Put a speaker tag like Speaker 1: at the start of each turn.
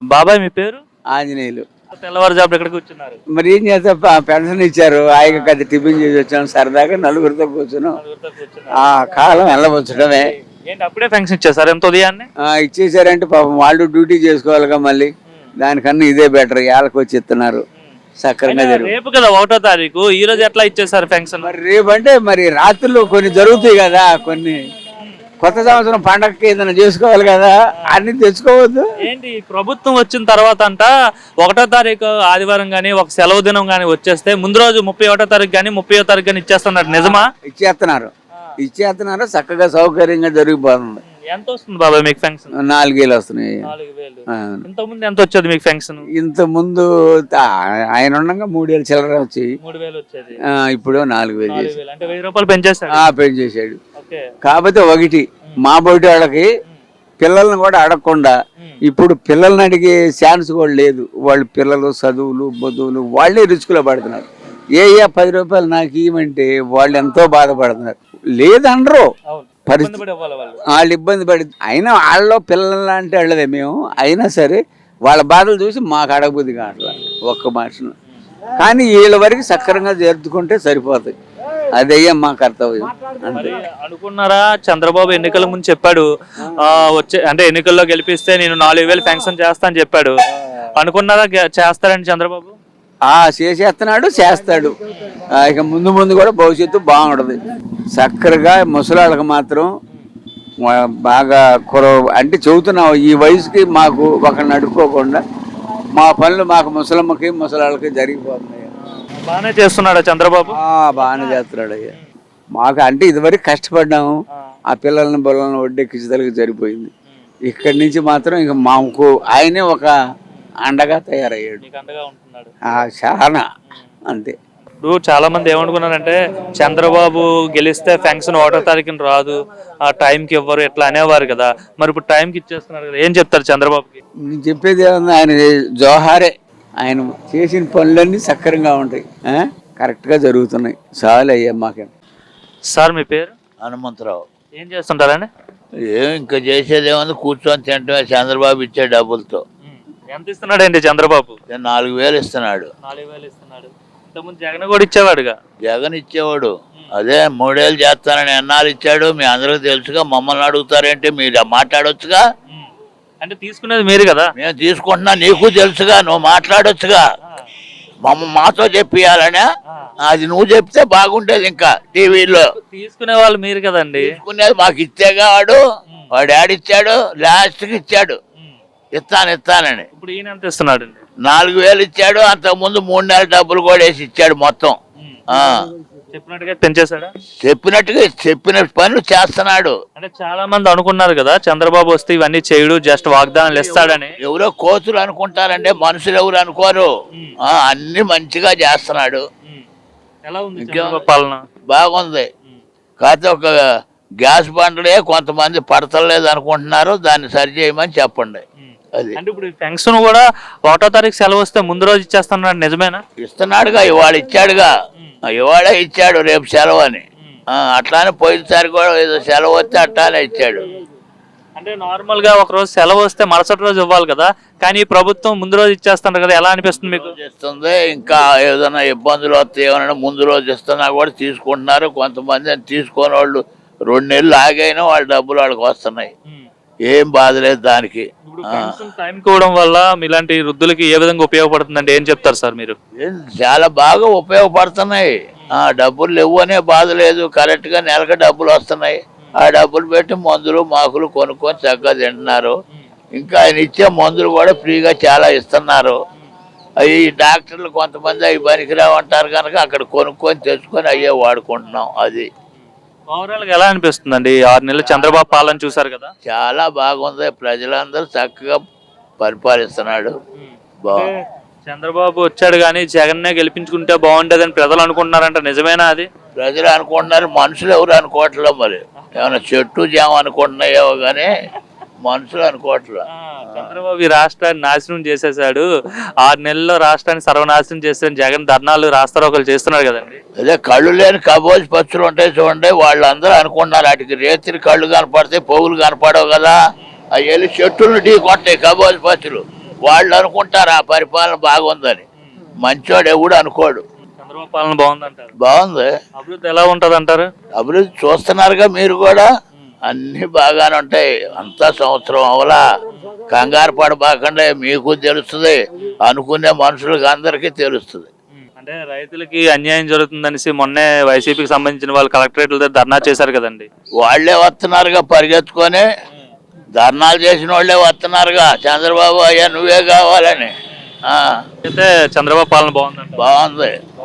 Speaker 1: బాబాయ్ మీ పేరు?
Speaker 2: ఆంజనేయులు.
Speaker 1: తెల్లవారుజామున ఎక్కడికి కూర్చున్నారు?
Speaker 2: మరి ఏం చేస్తా, పెన్షన్ ఇచ్చారు, హాయిగా కొద్ది టిఫిన్ చేసి వచ్చాం, సరదాగా నలుగురితో కూర్చున్నాం.
Speaker 1: నలుగురితో కూర్చున్నారు.
Speaker 2: ఆ కాలం వెళ్ళవచ్చడమే.
Speaker 1: ఏంటి అప్పుడే ఫంక్షన్ ఇచ్చేసారు ఎంత ఉదయాన్నే?
Speaker 2: ఇచ్చేసారంటే పాపం వాళ్ళు డ్యూటీ చేసుకోవాలిగా, మళ్ళీ దానికన్నా ఇదే బెటర్. ఏళ్ళకి వచ్చి ఇస్తున్నారు, సక్రంగా జరుగు.
Speaker 1: రేపు కదా 1వ తారీఖు, ఈ రోజు ఎట్లా ఇచ్చేసారు ఫంక్షన్?
Speaker 2: మరి రేపు అంటే మరి రాత్రులు కొన్ని జరుగుతాయి కదా, కొన్ని కొత్త సంవత్సరం పండగకి ఏదైనా చేసుకోవాలి కదా, అన్ని తెచ్చుకోవద్దు.
Speaker 1: ఏంటి ప్రభుత్వం వచ్చిన తర్వాత అంట 1వ తారీఖు ఆదివారం గానీ ఒక సెలవు దినం గానీ వచ్చేస్తే ముందు రోజు 31వ తారీఖు గానీ 30వ తారీఖు గానీ ఇచ్చేస్తున్నారు, నిజమా?
Speaker 2: ఇచ్చేస్తున్నారు, చక్కగా సౌకర్యంగా జరిగిపోతుంది.
Speaker 1: ఎంత వస్తుంది బాబాయ్ మీకు ఫంక్షన్?
Speaker 2: 4,000 వస్తున్నాయి.
Speaker 1: 4,000. ఇంత ముందు ఎంత వచ్చేది మీకు ఫంక్షన్?
Speaker 2: ఇంత ముందు ఆయన ఉండగా 3,000 చిల్లర వచ్చి
Speaker 1: 3,000 వచ్చేది.
Speaker 2: ఇప్పుడు 4,000 చేసి.
Speaker 1: అంటే 1,000 రూపాయలు పెంచేశాడు.
Speaker 2: పెంచేశాడు. కాకపోతే ఒకటి, మా బయట వాళ్ళకి పిల్లల్ని కూడా అడగకుండా ఇప్పుడు పిల్లల్ని అడిగే ఛాన్స్ కూడా లేదు. వాళ్ళు పిల్లలు చదువులు బదువులు వాళ్ళే రిస్కులో పడుతున్నారు. 10 రూపాయలు నాకు ఇవ్వమంటే వాళ్ళు ఎంతో బాధపడుతున్నారు. లేదనరు, పరిస్థితి వాళ్ళు ఇబ్బంది పడి, అయినా వాళ్ళలో పిల్లలు అంటే వాళ్ళదే మేము. అయినా సరే వాళ్ళ బాధలు చూసి మాకు అడగబుద్ధి కావట్లా ఒక్క మనిషిని. కానీ వీళ్ళ వరకు సక్రంగా జరుపుకుంటే సరిపోతాయి. అదయ్యా మా కర్తవ్యం.
Speaker 1: అనుకున్నారా? చంద్రబాబు ఎన్నికల ముందు చెప్పాడు, వచ్చే అంటే ఎన్నికల్లో గెలిపిస్తే నేను 4,000 ఫంక్షన్ చేస్తా అని చెప్పాడు. అనుకున్నారా చేస్తారండి చంద్రబాబు?
Speaker 2: చేసేస్తున్నాడు, చేస్తాడు. ఇక ముందు ముందు కూడా భవిష్యత్తు బాగుంటది. చక్కరగా ముసలాళ్ళకి మాత్రం బాగా అంటే చెబుతున్నావు, ఈ వయసుకి మాకు ఒకరిని అడుక్కోకుండా మా పనులు మాకు ముసలమ్మకి ముసలాళ్ళకి జరిగిపోతున్నాయి.
Speaker 1: బాగానే చేస్తున్నాడు చంద్రబాబు.
Speaker 2: బాగానే చేస్తున్నాడు అయ్యా. మాకు అంటే ఇదివరకు కష్టపడ్డాము, ఆ పిల్లల్ని బొల్లలను ఒడ్డెక్కించదలకి సరిపోయింది. ఇక్కడి నుంచి మాత్రం ఇక మాకు ఆయనే ఒక అండగా తయారయ్యాడు. చాలా అంతే.
Speaker 1: ఇప్పుడు చాలా మంది ఏమనుకున్నారంటే చంద్రబాబు గెలిస్తే ఫంక్షన్ 1వ తారీఖున రాదు, ఆ టైంకి ఇవ్వరు, ఎట్లా అనేవారు కదా. మరి ఇప్పుడు టైంకి ఇచ్చేస్తున్నారు కదా, ఏం చెప్తారు చంద్రబాబుకి?
Speaker 2: నేను చెప్పేది ఏమన్నా, ఆయన జోహారే. ఆయన చేసిన పనులన్నీ సక్రంగా ఉంటాయి, కరెక్ట్గా జరుగుతున్నాయి. చాలు అయ్యా మాకే.
Speaker 1: సార్ మీ పేరు?
Speaker 3: హనుమంతరావు.
Speaker 1: ఏం చేస్తుంటారండి?
Speaker 3: ఇంకా చేసేది ఏమన్నా, కూర్చొని తింటమే. చంద్రబాబు ఇచ్చే డబ్బులతో.
Speaker 1: ఎంత ఇస్తున్నాడు అండి చంద్రబాబు?
Speaker 3: 4,000 ఇస్తున్నాడు.
Speaker 1: 4,000 ఇస్తున్నాడు. ఇంతకుముందు జగన్ కూడా ఇచ్చేవాడుగా.
Speaker 3: జగన్ ఇచ్చేవాడు, అదే 3 ఏళ్ళు చేస్తానని ఎన్నాళ్ళు ఇచ్చాడు. మీ అందరికి తెలుసుగా, మమ్మల్ని అడుగుతారేంటి? మీరు మాట్లాడొచ్చుగా.
Speaker 1: అంటే తీసుకునేది మీరు కదా.
Speaker 3: మేము తీసుకుంటున్నా, నీకు తెలుసుగా, నువ్వు మాట్లాడొచ్చుగా. మాతో చెప్పియాలనే, అది నువ్వు చెప్తే బాగుంటేది. ఇంకా టీవీలో
Speaker 1: తీసుకునే వాళ్ళు మీరు కదండి.
Speaker 3: తీసుకునేది మాకు ఇచ్చేగా. వాడు ఆడిచ్చాడు, లాస్ట్కి ఇచ్చాడు ఇస్తానని.
Speaker 1: ఇప్పుడు ఈయన ఎంత ఇస్తున్నాడు?
Speaker 3: 4,000 ఇచ్చాడు. అంతకుముందు 3 నెలల డబ్బులు కూడా వేసి ఇచ్చాడు మొత్తం.
Speaker 1: చెప్పినట్టుగా పెంచేశాడా?
Speaker 3: చెప్పిన పనులు చేస్తున్నాడు.
Speaker 1: అంటే చాలా మంది అనుకున్నారు కదా చంద్రబాబు వస్తే ఇవన్నీ చేయడు, జస్ట్ వాగ్దానాలు ఇస్తాడని.
Speaker 3: ఎవరో కోతులు అనుకుంటారంటే, మనుషులు ఎవరు అనుకోరు. అన్ని మంచిగా చేస్తున్నాడు.
Speaker 1: ఎలా ఉంది పాలన?
Speaker 3: బాగుంది. కాకపోతే ఒక గ్యాస్ బండలే కొంతమంది పడతలేదు అనుకుంటున్నారు, దాన్ని సరి చేయమని చెప్పండి. అది
Speaker 1: అంటే ఇప్పుడు ఫంక్షన్ కూడా 1వ తారీఖు సెలవు వస్తే ముందు రోజు ఇచ్చేస్తున్నాడు, నిజమేనా?
Speaker 3: ఇస్తున్నాడుగా, ఇవాళ ఇచ్చాడుగా. ఇవాళే ఇచ్చాడు, రేపు సెలవు అని. అట్లానే పోయినసారి కూడా ఏదో సెలవు వస్తే అట్లానే ఇచ్చాడు.
Speaker 1: అంటే నార్మల్ గా ఒక రోజు సెలవు వస్తే మరుసటి రోజు ఇవ్వాలి కదా, కానీ ప్రభుత్వం ముందు రోజు ఇచ్చేస్తున్నారు కదా, ఎలా అనిపిస్తుంది మీకు?
Speaker 3: ఇస్తుంది. ఇంకా ఏదైనా ఇబ్బందులు వస్తే ఏమైనా ముందు రోజు ఇస్తున్నా కూడా తీసుకుంటున్నారు. కొంతమంది తీసుకునే వాళ్ళు 2 నెలలు ఆగైనా వాళ్ళ డబ్బులు వాళ్ళకి వస్తున్నాయి. ఏం బాధ లేదు దానికి.
Speaker 1: టైం ఇవ్వడం వల్ల ఇలాంటి వృద్ధులకి ఏ విధంగా ఉపయోగపడుతుందంటే ఏం చెప్తారు సార్ మీరు?
Speaker 3: చాలా బాగా ఉపయోగపడుతున్నాయి. డబ్బులు లేవు అనే బాధ లేదు. కరెక్ట్ గా నెలకు డబ్బులు వస్తున్నాయి. ఆ డబ్బులు పెట్టి మందులు మాకులు కొనుక్కొని చక్కగా తింటున్నారు. ఇంకా ఆయన ఇచ్చే మందులు కూడా ఫ్రీగా చాలా ఇస్తున్నారు. అవి డాక్టర్లు కొంతమంది అవి పనికిరావు అంటారు కనుక అక్కడ కొనుక్కొని తెచ్చుకొని అయ్యే వాడుకుంటున్నాం. అది
Speaker 1: ఓవరాల్ గా ఎలా అనిపిస్తుందండి 6 నెలలు చంద్రబాబు పాలన చూసారు కదా?
Speaker 3: చాలా బాగుంది. ప్రజలందరూ చక్కగా పరిపాలిస్తున్నాడు.
Speaker 1: చంద్రబాబు వచ్చాడు కానీ జగన్నే గెలిపించుకుంటే బాగుంటదని ప్రజలు అనుకుంటున్నారంట, నిజమేనా అది?
Speaker 3: ప్రజలు అనుకుంటున్నారు, మనుషులు ఎవరు అనుకోవట్లేదు. మరి ఏమైనా చెట్టు జామ అనుకుంటున్నాయో కానీ మనుషులు అనుకోవట్లేదు.
Speaker 1: చంద్రబాబు ఈ రాష్ట్రాన్ని నాశనం చేసేసాడు, 6 నెలల్లో రాష్ట్రాన్ని సర్వనాశనం చేస్తాను జగన్ ధర్నాలు రాస్తారోకలు చేస్తున్నాడు కదండి.
Speaker 3: అదే కళ్ళు లేని కబోజ్ పచ్చులు ఉంటాయి చూడండి, వాళ్ళందరూ అనుకుంటున్నారు వాటికి రేతిరి కళ్ళు కనపడతాయి, పోగులు కనపడవు కదా. అవి వెళ్ళి చెట్టులను ఢీ కొట్టాయి కబోజ్ పచ్చులు. వాళ్ళు అనుకుంటారు ఆ పరిపాలన బాగుందని. మంచోడు ఎవడు అనుకోడు.
Speaker 1: చంద్రబాబు పాలన బాగుందంటారు.
Speaker 3: బాగుంది.
Speaker 1: అభివృద్ధి ఎలా ఉంటది అంటారు?
Speaker 3: అభివృద్ధి చూస్తున్నారుగా మీరు కూడా, అన్ని బాగానే ఉంటాయి. అంతా సంవత్సరం అవలా, కంగారు పడబాకండి, మీకు తెలుస్తుంది, అనుకునే మనుషులకు అందరికీ తెలుస్తుంది.
Speaker 1: అంటే రైతులకి అన్యాయం జరుగుతుందనేసి మొన్నే వైసీపీకి సంబంధించిన వాళ్ళు కలెక్టరేట్ల దగ్గర ధర్నా చేశారు కదండి.
Speaker 3: వాళ్లే వస్తున్నారుగా పరిగెత్తుకొని, ధర్నాలు చేసిన వాళ్ళే వస్తున్నారుగా, చంద్రబాబు అయ్యా నువ్వే కావాలని.
Speaker 1: అయితే చంద్రబాబు పాలన బాగుందంట.
Speaker 3: బాగుంది.